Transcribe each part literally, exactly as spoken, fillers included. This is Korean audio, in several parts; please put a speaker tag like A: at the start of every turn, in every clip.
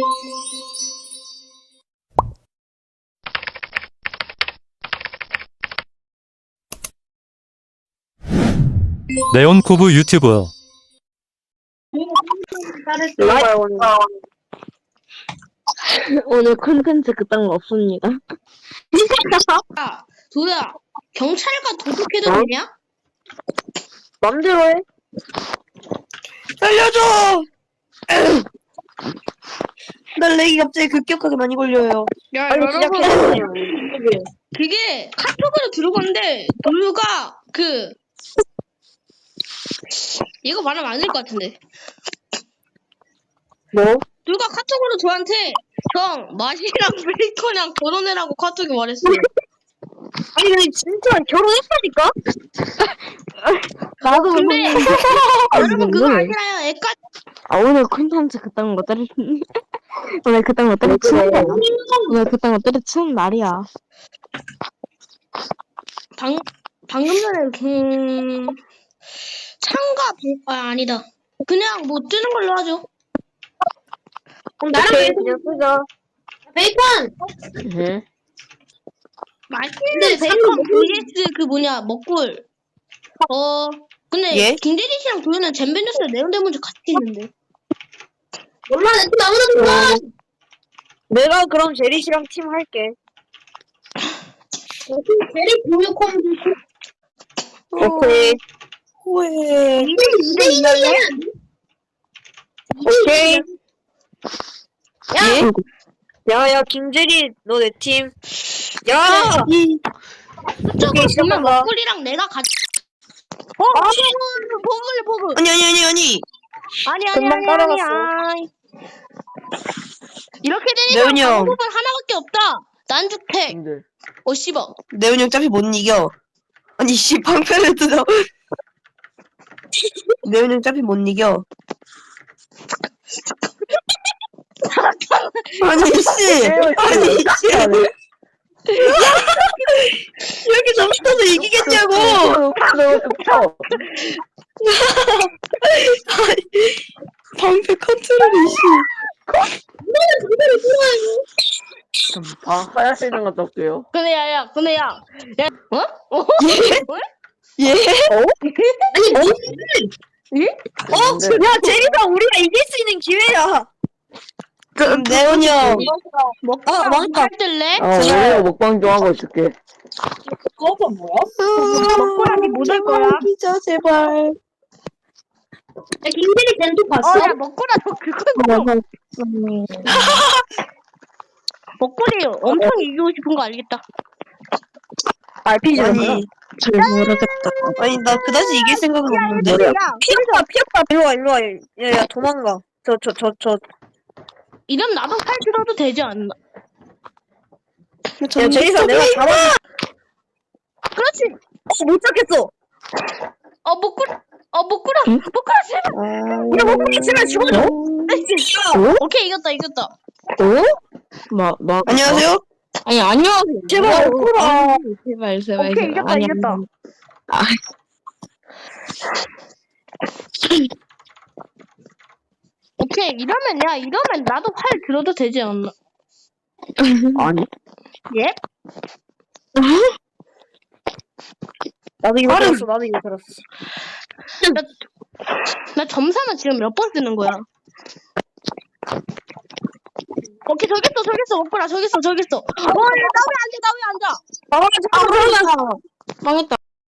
A: 네온쿠브 유튜브.
B: 오늘 콘텐츠 그딴 거 없습니다.
C: 야, 도야, 경찰과 도둑해도
B: 어?
C: 되냐?
B: 맘대로 해.
D: 살려줘! 날 렉이 갑자기 급격하게 많이 걸려요.
C: 야,
B: 빨리
C: 여러분,
B: 시작해.
C: 그게 카톡으로 들어갔는데, 도유가, 그, 이거 말하면 안 될 것 같은데.
B: 뭐?
C: 누가 카톡으로 저한테, 형, 마시랑 베이컨이랑 결혼해라고 카톡에 말했어.
B: 아니 근데 진짜 결혼했다니까? 나도
C: 근데, 여러분 그거
B: 오늘-
C: 아니라요. 애까
B: 아 오늘 콘텐츠 그딴 거 때려 오늘 그딴 거 때려치는 날이야. 오늘 그딴 거 때려치는 날이야.
C: 방, 방금 전에, 음, 창가, 방- 아, 아니다. 그냥 뭐 뜨는 걸로 하죠.
B: 그럼 나랑 그냥 쓰자. 베이컨! 응?
C: 맛있는 베이컨 vs 그 뭐냐 먹골. 어 근데
D: 예?
C: 김대리 씨랑 도현은 잼베뉴스랑 네온데몬즈 같이 있는데.
B: 몰라 내 팀 아무나 몰라. 내가 그럼 제리 씨랑 팀 할게. 제리 공유콤. 오케이.
D: 후회.
C: 이대 이대
B: 오케이.
D: 예?
B: 야야 김제리 너 내 팀. 야.
D: 이,
C: 그쪽으로 보면
B: 시작한다.
C: 먹골이랑 내가 같이. 어
B: 아.
C: 버글 버글.
D: 아니, 아니, 아니, 아니.
C: 아니 아니
B: 금방
C: 아니 아니
B: 따라갔어.
C: 아니. 이렇게
D: 네온이
C: 되니까
D: 형.
C: 방법은 하나밖에 없다. 난주택. 어 씹어.
D: 네온이 형 어차피 못 이겨. 아니, 씨, 방패를 뜯어. 네온이 형 어차피 못 이겨. 아니, 씨. 아니, 씨. 이렇게 점수타서 이기겠냐고! 방패 컨트롤이, 씨.
E: 아, 하얀색 좀 갔다 올게요.
C: 근데 야야 근데 야. 야 어? 어?
D: 예?
B: 아니
C: 예?
D: 어? 야, 제리가 우리가 이길 수 있는 기회야! 그럼 네온이 형.
C: 먹고
D: 아, 망했다.
C: 할 뜰래?
E: 아, 오늘 먹방 좀 하고 있을게.
C: 먹고라니 못할 거야.
D: 이기자, 제발.
B: 야 김제리 젠도
C: 어, 야, 먹고라, 너 그거 먹어. 먹고리 엄청 이기고 싶은 거 알겠다.
B: 알피지는
D: 아니,
B: 잘 모르겠다.
D: 아니, 나 그다지 이길 생각은 없는데.
C: 야,
D: 피었다, 피었다. 일로와, 일로와. 야, 야, 도망가. 저, 저, 저, 저.
C: 이름 나도 팔 들어도 되지 않나?
D: 야, 제리사 내가 잡아.
C: 그렇지.
D: 어, 못 잡겠어.
C: 어, 먹고라. 어, 먹고라. 먹고라, 제발.
D: 야, 먹고 있으면 죽어줘.
C: 오케이, 이겼다, 이겼다.
B: 어? 마, 마.
D: 안녕하세요?
B: 아니 안녕하세요.
D: 제발, 먹고라.
B: 제발 제발.
C: 오케이, 이겼다,
B: 아니,
C: 이겼다. 오케이, 이러면, 야, 이러면 나도 팔 들어도 되지 않나?
E: 아니,
C: 예?
B: 나도 이거
D: 빠른.
B: 들었어. 나도 이거 들었어.
C: 나 점사는 지금 몇 번 쓰는 거야? 오케이, 저기 있어, 저기 있어, 먹고라, 저기 있어, 저기 있어. 어, 야, 나 왜 앉아, 나 왜 앉아?
D: 아, 잠깐만.
B: 망했다.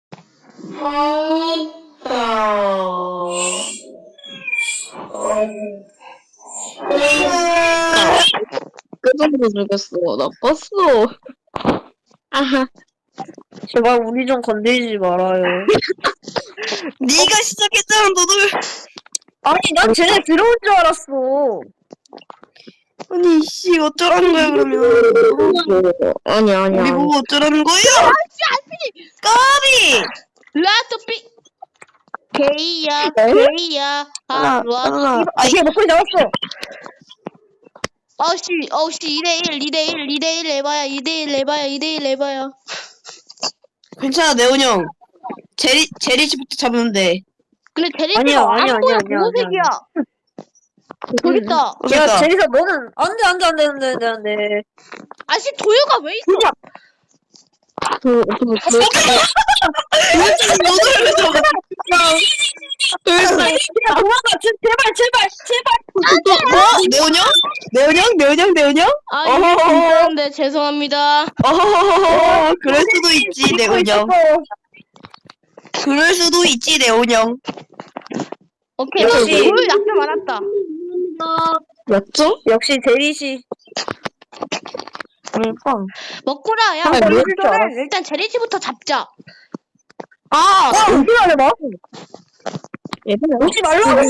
B: 끝으로 죽였어. 나빴어. 아하.
D: 제발 우리 좀 건들지 말아요. 네가 시작했잖아, 너도.
B: 아니 난 쟤네 들어온 줄 알았어.
D: 아니, 씨, 어쩌라는 거야, 그러면.
B: 아니 아니
D: 우리
B: 아니.
D: 보고 어쩌라는 거야? 까비!
C: 라토피 게이야 게이야
D: 하나,
C: 아루아
D: 하나.
B: 아 이게 목소리 나왔어.
C: 어우씨 어우씨 이대일 이대일 이대일 해봐야 이대일 해봐야 이대일 해봐야
D: 괜찮아, 네온 형. 제리, 제리 씨부터 잡으면 돼.
C: 근데 대리씨가
B: 아니야, 아니야,
C: 안 보여
B: 아니야, 아니야,
C: 보호색이야 저기 있다.
D: 야,
F: 그러니까.
D: 제리사, 너는, 안 돼, 안 돼, 안 돼, 안 돼, 안 돼, 안 돼.
C: 아씨 도유가 왜 있어?
B: 그, 그, 그,
D: 야, 도망가, 제- 제발, 제발, 제발.
F: 어? 내운영? 내운영? 내운영? 내운영?
C: 아
F: 어허허허.
C: 이거 괜찮은데 죄송합니다.
F: 어허허허. 그럴 수도 있지, 내운영.
D: 있어.
F: 그럴 수도 있지, 내운영.
C: 오케이
D: 역시.
C: 도유 약점 많았다.
B: 몇 점?
D: 역시 제리씨.
F: 그러니까.
C: 먹구라 야
B: 아,
C: 우리
B: 뭐
C: 일단은 일단 제리씨부터 잡자.
F: 아!
D: 오지 말래,
B: 얘들아.
D: 오지 말라고.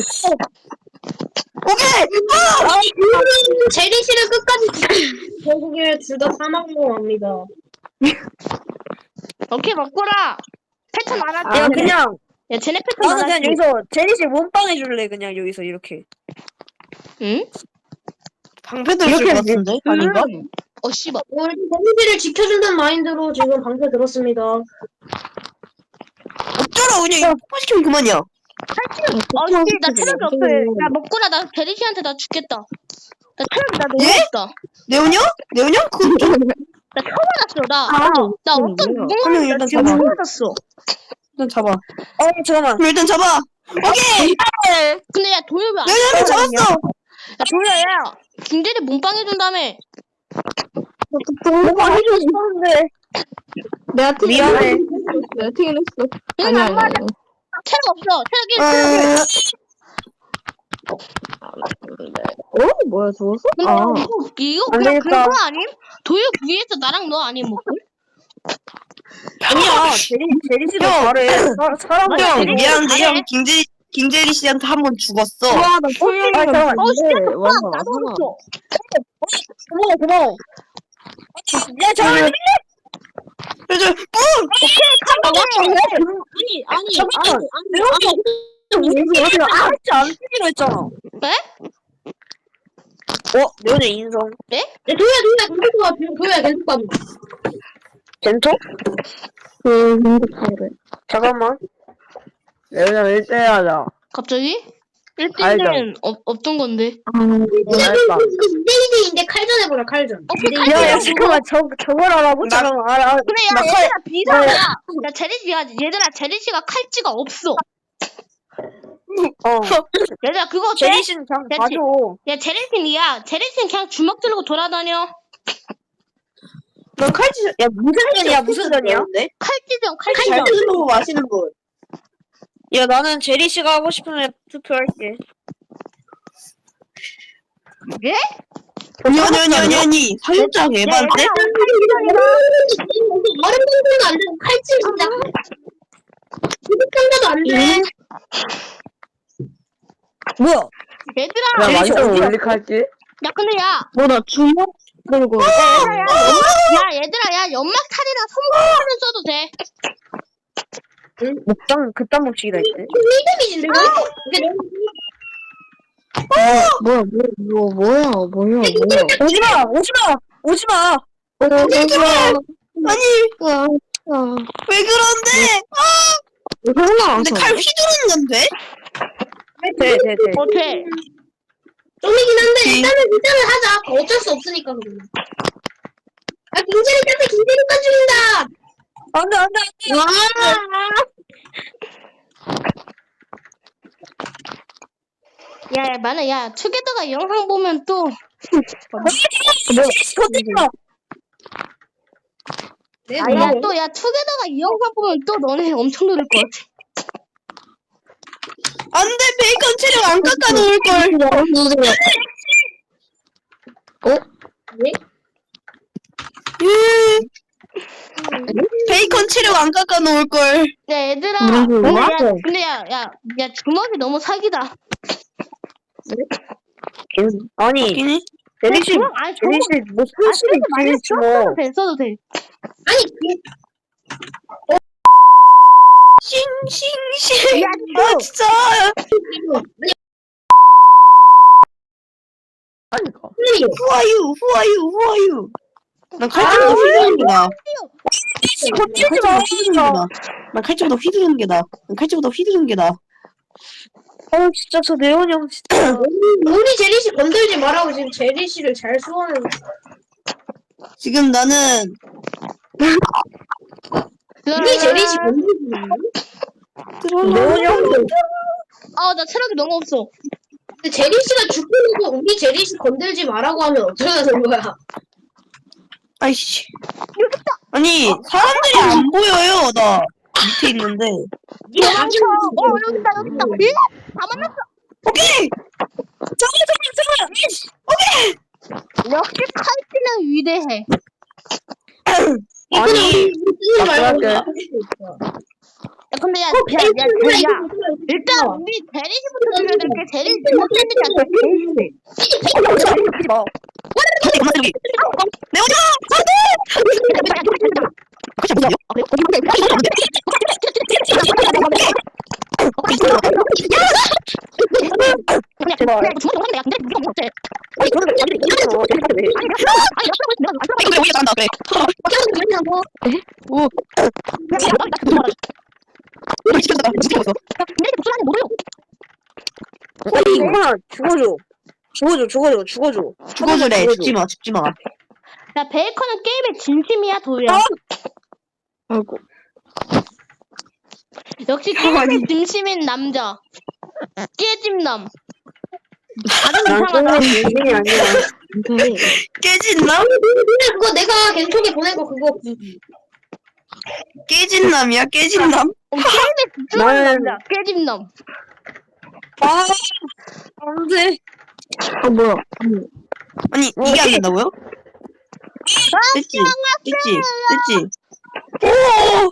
F: 오케이!
C: 제리씨를 끝까지.
G: 결국에 둘 다 사망으로 합니다.
C: 오케이 먹구라. 패턴 알았지?
D: 야, 그냥,
C: 야 쟤네 패턴
D: 나는 그냥
C: 알았지?
D: 여기서 제리씨 몸빵 해줄래, 그냥 여기서 이렇게.
C: 응?
F: 방패 들었을 것 같은데? 아닌가?
C: 음. 어 씨발.
G: 우리 데미지를 지켜준다는 마인드로 지금 방패 들었습니다.
F: 어쩌라, 그냥 폭파시키면 그만이야.
C: 어씨 나 체력이 없어. 야 먹구라 나 제리씨한테 나 죽겠다. 나 체력이 나 너무
F: 예?
C: 없다.
F: 내운영? 내운영? 그건 좀.
C: 나 처음 알았어 나. 나 어떤
F: 한 명
C: 무궁화를 나
F: 일단
C: 지금
F: 잡아.
C: 처음 알았어.
F: 일단 잡아.
D: 어, 잠깐만.
F: 그럼 일단 잡아. 오케이!
C: 근데 야 도유 왜안
F: 내운영을 잡았어!
C: 야 도유야 야 김대리 몸빵 해준 다음에.
D: 몸빵 해주고 싶었는데.
B: 내가 튀긴
D: 미안해.
B: 내가 튀긴 했어.
C: 응,
B: 아니야,
C: 안
B: 아니야.
C: 맞아.
B: 아니야.
C: 체력 없어. 체력이
F: 어,
B: 어? 뭐야, 죽었어?
C: 근데
B: 아.
C: 이거, 이거
D: 안
C: 그냥
D: 되겠다.
C: 그거 아님? 도유 위에서 나랑 너 아님 먹고?
D: 아니야, 제리, 제리씨도
F: 형.
D: 잘해. 사- 사람을.
F: 형,
C: 제리씨
F: 미안한데,
C: 잘해.
F: 형, 김재리, 김재리 씨한테 한 번 죽었어.
B: 와, 나 소영이가
D: 아, 잠깐만.
C: 어 진짜
B: 있는데.
C: 좋다.
B: 와,
C: 나도
B: 하나.
C: 없어.
D: 고마워, 고마워. 야, 잠깐만.
F: 그래서, 뿡!
G: 아니, 아니, 아니,
D: 잠깐만.
G: 아니,
D: 우리 어디가 아, 진짜 안 쓰기로 했잖아.
C: 네?
D: 어, 내오네 인성.
G: 야, 도야, 도야, 계속 가, 도야, 계속 가.
D: 젠토?
B: 그, 행복하래.
D: 잠깐만.
E: 내운영 일 대 일 하자.
C: 갑자기? 일 대일은 없던 건데.
B: 아,
E: 알았다.
G: 이대이대인데 칼전 해보라, 칼전.
C: 오케이
G: 이대 이대.
D: 야, 야, 잠깐만. 저, 저걸 알아보?
F: 나-
D: 잠깐만, 알아.
C: 근데 야
F: 나
C: 얘들아 비상이야. 야 제리씨야 얘들아 제리씨가 칼찌가 없어.
D: 어.
C: 얘들아 그거 어때?
D: 제리씨는 그냥
C: 됐지.
D: 봐줘.
C: 야 제리씨야 제리씨는 그냥 주먹 들고 돌아다녀.
F: 넌 칼치,
D: 야, 무슨 전이야, 무슨 전이야?
C: 칼찌전
F: 잘
C: 칼찌전.
F: 드는 거 마시는 분.
D: 야, 나는 제리씨가 하고 싶으면 투표할게.
C: 예?
F: 아니, 아니, 아니, 아니, 아니. 사육장 에반데?
G: 얼음 공부도 안 되고 칼질 진짜. 부득한가도 안 돼.
D: 뭐야?
C: 얘들아
E: 그냥
D: 제리씨
E: 완전
D: 어디야?
E: 올릭할지?
C: 야 근데 야
B: 뭐, 나 주먹 들고.
C: 야, 야 얘들아 야 연막탄이랑 섬광탄은 써도 돼.
D: 목장 그딴 법칙이다 있대.
G: 데미지인데, 이거? 이게
B: 뭐야, 뭐, 뭐, 뭐야, 뭐야, 뭐야.
D: 오지마! 오지마! 오지마!
F: 아니,
B: 아, 아.
F: 왜 그런데?
B: 설마.
F: 근데 칼 휘두르는 건 돼?
D: 돼, 돼, 돼.
C: 어때?
G: 좀이긴 한데, 일단은 일단은 하자. 어쩔 수 없으니까, 그러면. 아, 김재리 딴데 김재리까지 죽인다!
D: 안 돼, 안 돼, 안 돼!
C: 야, 야 만약 야 투게더가 이 영상 보면 또
D: 터뜨려!
C: 아, 야, 또, 야, 투게더가 이 영상 보면 또 너네 엄청 노릴 것 같아.
F: 안 돼, 베이컨 체력 안 깎아 놓을걸. 베이컨 체력 안 깎아 놓을걸.
C: 야, 얘들아.
B: 무슨
C: 근데
B: 소리야?
C: 야, 근데 야, 야, 야, 주먹이 너무 사기다.
D: 아니,
F: 웃기니?
D: 제리씨,
C: 주먹, 아니, 주먹.
D: 제리씨, 뭐,
C: 아,
D: 손실이
C: 쓰지 말래.
D: 있지,
C: 써도
D: 뭐.
C: 돼, 써도 돼.
G: 아니, 그,
F: 싱싱싱.
C: 야,
F: 아, 진짜.
E: 하니까.
F: Who are you? Who are you? Who are you? 난 칼집보다 휘두르는 게 나아.
D: 건들지 마!
F: 난 칼집보다 휘두르는 게 나아. 난 칼집보다 휘두르는 게 나아. 난 칼집보다 휘두르는 게 나아.
D: 어 진짜 저 네온이 형 진짜.
G: 우리 제리 씨 건들지 말라고 지금 제리 씨를 잘 수호하는.
F: 지금 나는
G: 우리 제리 씨 건들지 말라고?
D: 네온이 형.
C: 아, 나 체력이 너무 없어.
G: 근데 제리 씨가 죽고 나서 우리 제리 씨 건들지 말라고 하면 어쩌자는 거야?
F: 아이씨. 아니 사람들이 안 보여요. 나 밑에 있는데.
C: 도망쳐. 어, 여기 있다, 여기 있다. 예? 다 만났어.
F: 오케이. 잠깐 잠깐 잠깐. 오케이.
C: 역시 칼찌는 위대해.
F: 아니
G: 쓰지 말고.
E: 할게.
C: 야, 근데 야, 야, 야, 야, 야. 일단 우리 제리 씨부터 죽여야 될 게 제리 씨 못생기지 않다.
F: 하지 마 여기. 내오냐. 같이 보세요.
C: 그냥 제발. 그냥 주먹 먹었네. 야, 근데 우리가 뭐 어때?
F: 아니 그러면 아니 이거 왜 우리가 잘한다 그래. 오. 우리 진짜 진짜 없어.
D: 아니 이거나 죽어줘. 죽어줘 죽어줘 죽어줘.
F: 죽어주래. 죽지 마 죽지 마.
C: 야, 베이컨은 게임의 진심이야, 도희야.
B: 아이고.
C: 역시 게임의 진심인 남자. 깨짐남. 다른 이상하다.
D: 인생이 아니야.
B: 근데
F: 깨진 남?
G: 근데 그거 내가 겐톡에 보낸 거 그거
F: 깨진 남이야 깨진 남?
C: 어, 게임에 집중하는
D: 나는-
C: 남자. 깨짐남.
F: 아 안돼.
B: 아 뭐야?
F: 아니 이게 안 된다고요? 됐지 됐지 됐지. 오.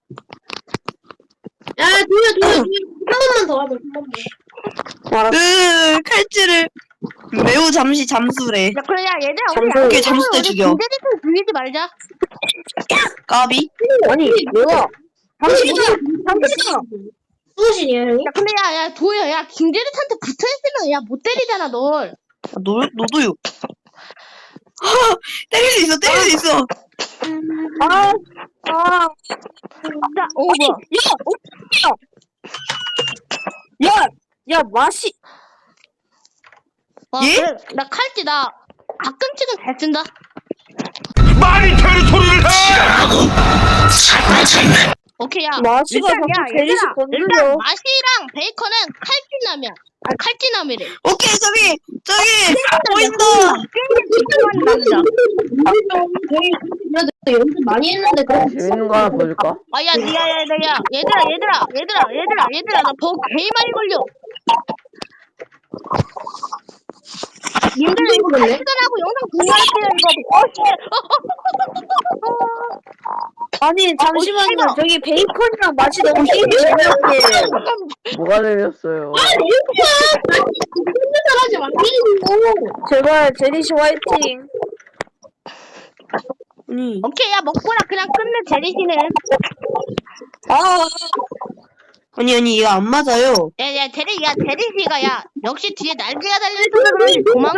G: 야 도야 도야 도야 한 번만 더 하자 한 번만.
F: 으 칼질을 매우 잠시 잠수래.
C: 야, 그래, 야, 얘들아, 우리
D: 잠수-
F: 오케이, 잠수 때 죽여.
C: 김대리도 죽이지 말자.
F: 까비?
D: 아니 내가 당신이잖아. 당신이잖아.
G: 수호신이야 형이?
C: 야, 근데 야, 야, 도희야, 야, 김대리한테 붙어있으면, 야, 못 때리잖아, 널.
F: 아, 너 너도요. 아, 때릴 수 있어 때릴 수 있어.
D: 아 아.
C: 야, 어, 뭐야.
D: 야, 야 맛이.
C: 와,
F: 예?
C: 그래, 나 칼찌, 나 가끔씩은 잘 쓴다.
H: 많이 되는 소리를 해!
C: 오케이, 야.
D: 마시가
C: 일단, 야,
D: 자꾸 제리씨
C: 얘들아,
D: 건드려.
C: 일단, 마시랑 베이컨은 칼찌남이야. 아, 칼찌남이래.
F: 오케이 저기 저기 보인다.
C: 게임에 집중하는 남자.
G: 그래도 연습 많이 했는데 그거
E: 재밌는 거 하나 보여줄까?
C: 아, 야, 야, 야, 야, 야, 얘들아, 얘들아, 얘들아, 얘들아, 얘들아, 나 버그 개 많이 걸려. 님들 이거 시간하고 영상 공유할게요, 이거. 어, 씨.
D: 아니 잠시만요.
C: 씨발.
D: 저기 베이컨이랑 맛이 너무 힘이 재미없게.
E: 뭐가 재밌었어요?
G: 하지 말고.
D: 제발 제리씨 화이팅.
F: 아니
C: 오케이, 야, 먹고나 그냥 끝내, 제리씨는.
F: 아 아니 아니 이거 안 맞아요.
C: 야, 야, 제리, 야, 제리씨가, 야, 역시 뒤에 날개가 달려있어서 그런지 도망을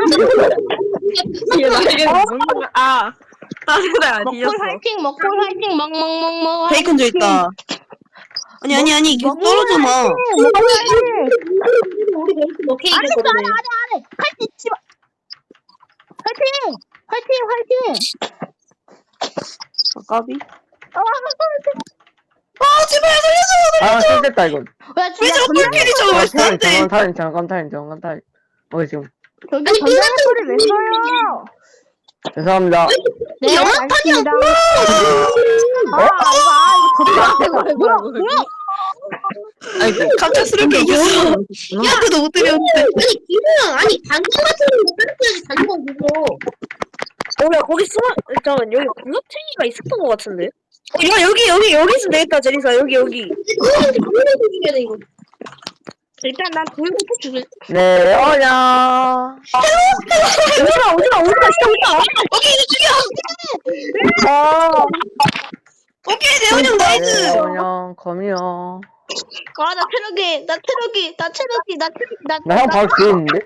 F: 아 다른 애
C: 먹골 화이팅, 먹골 화이팅, 먹, 먹, 먹, 먹.
F: 베이컨 저 있다. 아니 아니 아니 계속
C: 먹골
F: 떨어져 마.
C: 화이팅, 먹골 화이팅.
G: 우리 멘트 몇 개
C: 아래 있어,
G: 이겼거든.
C: 아래, 아래, 아래. 칼찌, 씨발. 화이팅! 화이팅, 화이팅!
F: 아, 까비?
C: 아,
F: 아 제발 살려줘.
E: 아, 실됐다, 이건.
C: 야,
F: 왜
C: 진짜
F: 저 꿀끼리 저거
E: 아,
F: 왜
E: 타임,
F: 안 돼?
E: 잠깐 타임, 잠깐 타임, 잠깐 타임. 어, 지금.
C: 저기
G: 아니,
C: 전자의 소리 왜 써요?
E: 죄송합니다.
C: 네, 알겠습니다. 아, 이거, 아, 이거 졌다. 뭐야, 뭐야?
F: 아이고 갑작스럽게 이겼어. 야 그도 못 때렸는데.
G: 아니 기분은 아니 단검 같은 거 때려야지 단검 그거.
D: 어야 거기 숨어. 잠깐 여기 블루탱이가 있었던 것 같은데. 어, 야 여기 여기 여기 있으면 되겠다 제리사 여기 여기.
G: 그거는 그거는 죽여야 돼 이거.
C: 일단 난 돌부터 죽일.
E: 네, 어냐.
D: 오지마 오지마 오지마 진짜 오지마.
F: 오케이 이제 죽여.
D: 아.
F: 오케이 대원이 형 나이스.
E: 네, 어냐, 검이요.
C: 아, 나 체력이, 나 체력이, 나 체력이, 나 체력이, 나.
E: 나 형 바로 뒤에 있는데?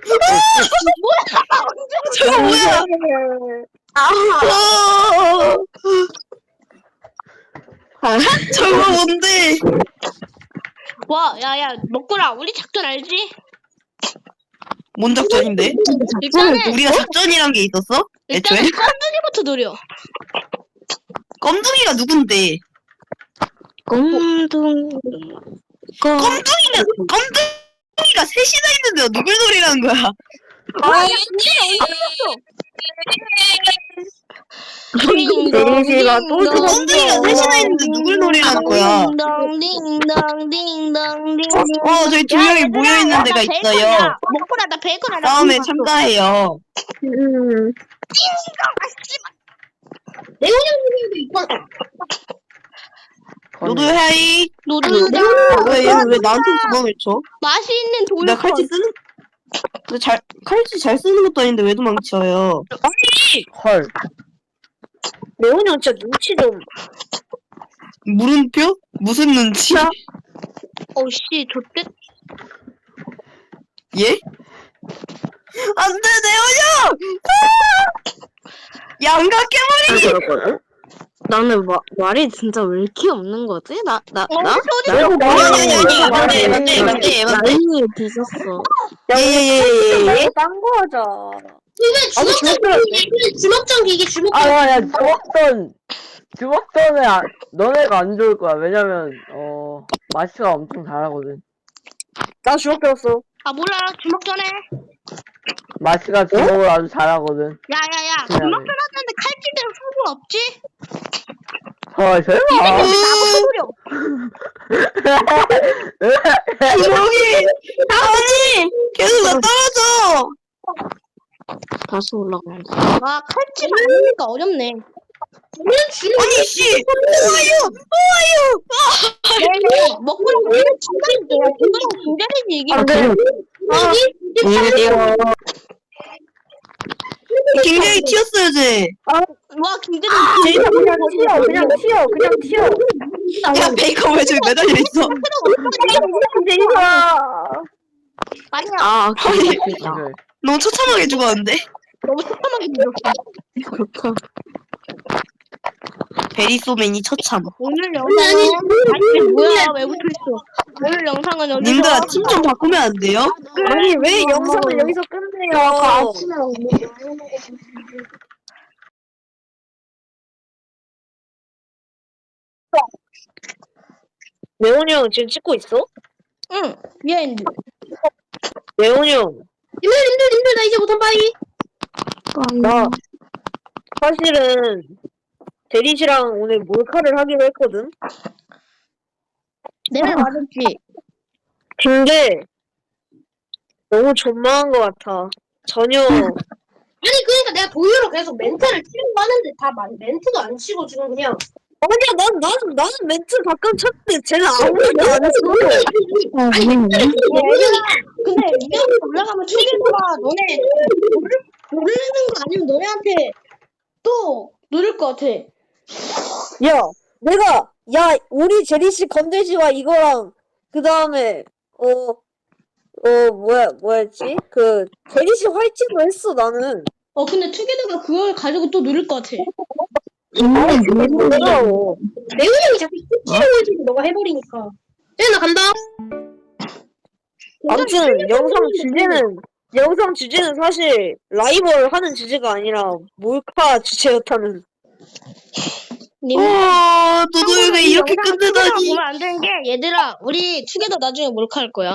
F: 저거 뭐야? 아. 저거 뭔데?
C: 와, 야, 야, 먹구라. 우리 작전 알지?
F: 뭔 작전인데?
C: 일단은
F: 우리가 작전이란 게 있었어? 애초에?
C: 일단은 껌둥이부터 노려.
F: 껌둥이가 누군데?
B: 꼼둥 껌
F: 껌둥이가 껌둥이가 셋이나 있는데 누굴 노리라는 거야?
D: 아,
C: 데리시가
D: 또
F: 껌둥이가 셋이나 있는데 누굴 노리라는 거야?
C: 딩동딩동딩동딩.
F: 어, 저희 두 명이 모여 있는 데가 있어요.
C: 먹고라 나 베이컨 하나.
F: 싸움에 참가해요.
D: 음.
G: 내용량도 있고.
F: 너도 해이.
C: 노동자
F: 왜 얘는 왜 나한테 도망을 쳐?
C: 맛있는
F: 내가
C: 돌콘.
F: 칼치 쓰는 근데 잘 칼치 잘 쓰는 것도 아닌데 왜 도망쳐요?
E: 헐.
D: 레온이 형 진짜 눈치 좀.
F: 물음표? 무슨 눈치?
C: 어씨 좋대.
F: 예? 안돼 내오냐! 양각해버리!
B: 나는 마, 말이 진짜 왜 이렇게 없는 거지? 나, 나,
C: 어,
B: 나?
C: 소리
B: 나?
F: 아니 아니 아니 맞네 맞네 맞네 맞네.
B: 라인이 뒤졌어.
F: 예예예예.
D: 딴거 하자.
G: 이게 주먹전 기계, 주먹전 기계, 주먹전.
E: 아야 주먹던 주먹던에 아, 너네가 안 좋을 거야. 왜냐면 어 마시가 엄청 잘하거든.
D: 나 주먹 배웠어.
C: 아 몰라 주먹 전에.
E: 마시가 주먹을 아주 잘하거든.
C: 야야야
E: 그냥
C: 주먹
E: 해.
C: 전하는데 칼집에는 승부 없지?
E: 헐 설마.
C: 나부터 노려.
F: 저기 아니 계속 나 떨어져.
B: 다시 올라간다.
C: 와 칼집 아니니까 어렵네.
F: 아니 씨 오아유 오아유.
C: 네, 먹고 있는 중간인데 중간은 중간이지 이게.
D: 안 돼.
F: 굉장히 튀었어요 쟤.
C: 와 김대중
D: 제이사 그냥 튀어. 그냥 튀어. 그냥 튀어.
F: 야 베이컨 왜 저기 매달려 있어?
D: 제이사.
C: 아니야
B: 아,
F: 아니
B: 그렇다.
E: 오케이.
F: 너무 처참하게 죽었는데?
C: 너무 처참하게 죽였어.
B: 그렇다.
F: 베리소맨이 처참.
C: 오늘 영상은 아니 뭐야 왜 붙어있어. 오늘 영상은 여기서
F: 님들아 팀 좀 바꾸면 안 돼요?
D: 아니 왜 영상을 여기서 끝내요? 레온이 형 지금 찍고 있어?
C: 응 미안해.
D: 레온이 형.
G: 님들, 님들, 님들, 나 이제 못한 바이.
D: 나 사실은 대리 씨랑 오늘 몰카를 하기로 했거든.
C: 내 말 맞았지.
D: 근데 너무 존망한 것 같아. 전혀
G: 아니, 그러니까 내가 도유로 계속 멘트를 치려고 하는데 다 말, 멘트도 안 치고 지금 그냥.
D: 아니야 난 나는 나는 멘트 가끔 쳤는데 쟤는 아무것도 안 했어.
C: 근데 이형 올라가면 최대가 너네 모르, 모르는 거 아니면 너네한테 또 누를 것 같아.
D: 야 내가 야 우리 제리 씨 건들지와 이거랑 그 다음에 어 어 뭐야 뭐였지 그 제리 씨 활치도 했어 나는.
C: 어 근데 투게더가 그걸 가지고 또 누를 것 같아.
D: 내가 어.
G: 레오 형이 자꾸 스치려고 해주고 너가 해버리니까. 쟤, 나 간다.
D: 아무튼 영상 주제는 영상 주제는 사실 라이벌 하는 주제가 아니라 몰카 주제였다는.
C: 님
F: 어 너도 왜 이렇게
C: 영상을
F: 끝내다니?
C: 보면 안 되는 게 얘들아 우리 투게더 나중에 몰카 할 거야.